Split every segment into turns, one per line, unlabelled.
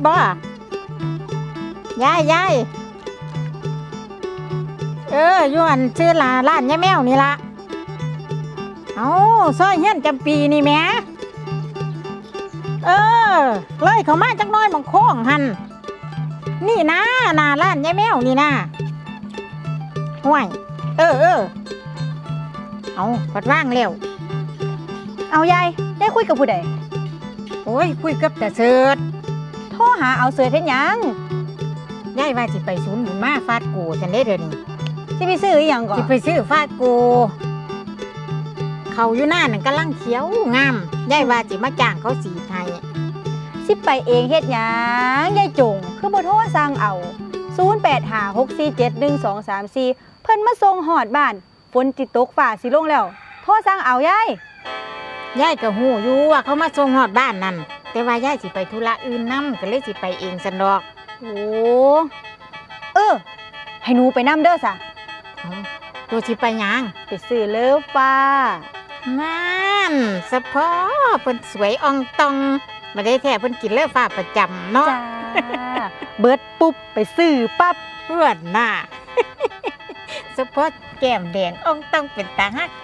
บ่ยายอยู่อันชื่อร้านยายแมวนี่ละเอาซอยเฮียนจำปีนี่แหมเลยเขามาจักน้อยบางโค้งหันนี่นะหน้าร้านยายแมวนี่นะห่วยเอาปัดว่างแล้ว
เอายายคุยกับผู้ใด
โอ้ยคุยกับแต่เสิร์ช
โทรหาเอาเสิร์ชเฮ็ดหยัง
ยายว่าสิไปศูนย์บุญมาฟาดกูฉันได้เดี๋ยวนี้
สิไปซื้ออีหยังก่อน
สิไปซื้อฟาดกูเขาอยู่หน้านั่นกำลังเขียวงามยายว่าสิมาจ้างเขาสีไทย
สิไปเองเฮ็ดหยังยายจงคือบ่โทรสั่งเอา0856471234เพิ่นมาส่งฮอดบ้านฝนสิตกฟ้าสิลงแล้วโทรสั่งเอาย
ายก็ฮู้อยู่ว่าเขามาส่งฮอดบ้านนั่นแต่ว่ายายสิไปธุระอื่นนำก็เลยสิไปเองซั่นดอก
โอ้ให้หนูไปนำเด้อซะ
ตัวสิไปหยัง
ไปซื้อเลิฟฟ้า
นั่นสะพอเพิ่นสวยอ่องตองบ่ได้แท้เพิ่นกินเลิฟฟ้าประจำเนาะ
จ้าเบิดปุ๊บไปซื้อปั๊บ
เพื่อนน่ะสะพอแก้มแดงอ่องตองเป็นตาฮัก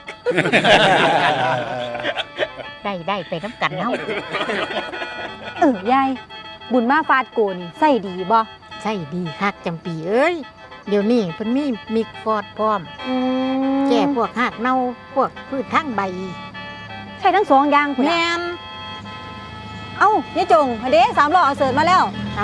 ได้ไปน้ำกันเฮ
ายายบุญมาฟาดโกนี่ใส่ดีบ่
ใส่ดีคักจำปีเอ้ยเดี๋ยวนี้เพิ่นมีมิกฟอดพร้อมแก้พวกหากเน่าพวกพืชทั้งใบ
ใช่ทั้งสองอย่างพุ่น
แม่น
เอ้ายายจงเด้3ล้อเอาเสิร์ฟมาแล้ว
เอา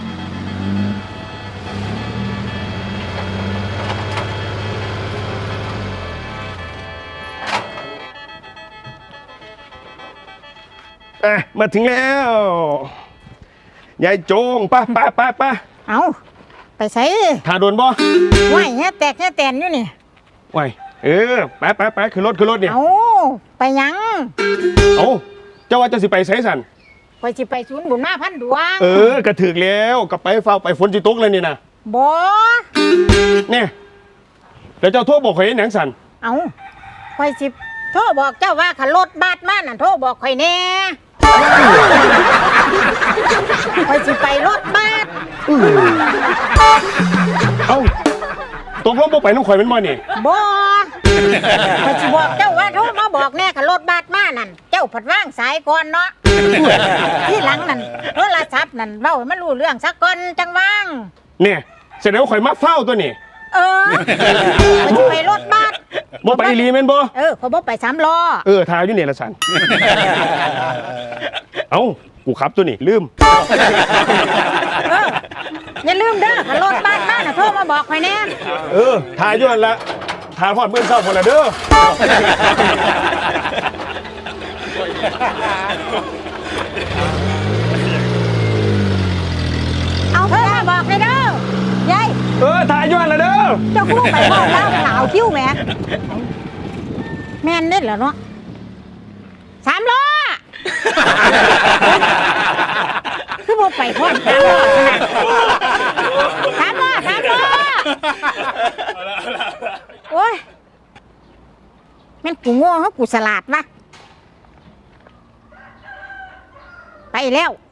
มาถึงแล้วยายจงไป
เอาไปใส่
ถ่าโดนบ่
ไหวแค่แตกแค่แตนอยู่นี่
ไหวไปคือรถเนี่ย
เอาไปยัง
เอาเจ้าว่าจะสิไปไสสัน
ไปสิไปศูนย์บุญมาพันดวง
กระถึกแล้วก็ไปเฝ้าไปฝนจิตกเลยนี่นะ
บ่
เนี่ยแล้วเจ้าโทรบอกข่อยหยังสัน
เอาข่อยสิโทรบอกเจ้าว่าขับรถบัสมาน่ะโทรบอกข่อยแน่ข่อยสิไปรถบัส
เอาตกลงบ่ไปน้องข่อยเป็นบ่นี่
บ่ข่อยสิบอกเจ้าว่าโทรมาบอกแน่ขับรถบัสมานั่นเจ้าผัดว่างสายก่อนเนาะที่หลังนั่นโทรศัพท์นั่นเว้าให้มันรู้เรื่องสักก่อนจังว่าง
เนี่ยแสดงว่าข่อยมาเฝ้าตัวนี่
ข่อยสิไปรถบัส
บ่ไปอีหลีแม่นบ่
ข่อยบ่ไป3ล้อ
ทาอยู่นี่ละสันเอ้ากูขับตัวนี่ลืม
อย่าลืมเด้อขับรถบัสมาน่ะโทรมาบอกข่อยแน่
ทาอยู่นั่นละทาฮอดมื้อเช้าพุ่นละเด้อ
เอาเพิ่นมาบอกเลยเด้อยาย
ทาอยู่นั่นละเด้อ
เจ้าคู่ไปพ่อแล้วหนาวคิ้วแม่
แม่นเด้อเหรอเนาะ3ล้อคือบ่ไปพร้อม3ล้อโอ้ยแม่นกูโง่เฮากูฉลาดวะไปแล้ว